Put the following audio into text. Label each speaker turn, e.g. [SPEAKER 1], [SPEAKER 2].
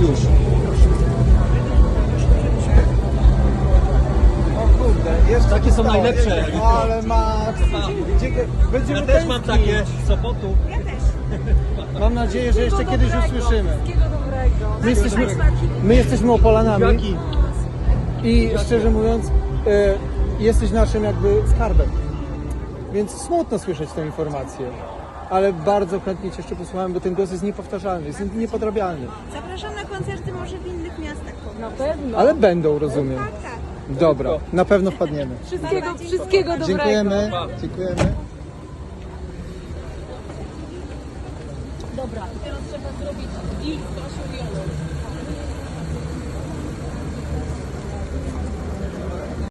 [SPEAKER 1] już.
[SPEAKER 2] O kurde, jeszcze
[SPEAKER 1] Takie są najlepsze.
[SPEAKER 2] Ale Max, będziemy
[SPEAKER 1] Ja też mam
[SPEAKER 2] tęsknić.
[SPEAKER 1] takie z Sopotu.
[SPEAKER 3] Ja też.
[SPEAKER 2] Mam nadzieję, że jeszcze kiedyś usłyszymy.
[SPEAKER 3] Wszystkiego dobrego.
[SPEAKER 2] My jesteśmy Opolanami
[SPEAKER 1] Jaki?
[SPEAKER 2] i szczerze mówiąc jesteś naszym jakby skarbem. Więc smutno słyszeć tę informację. Ale bardzo chętnie Cię jeszcze posłuchałem, bo ten głos jest niepowtarzalny, jest niepodrabialny.
[SPEAKER 3] Zapraszam na koncerty może w innych miastach.
[SPEAKER 4] Na pewno.
[SPEAKER 2] Ale będą, rozumiem.
[SPEAKER 3] Tak, tak.
[SPEAKER 2] Dobra, na pewno wpadniemy.
[SPEAKER 4] Wszystkiego dobrego.
[SPEAKER 2] Dziękujemy. Dziękujemy.
[SPEAKER 4] Dobra, teraz trzeba zrobić deal z Basią i Jolą.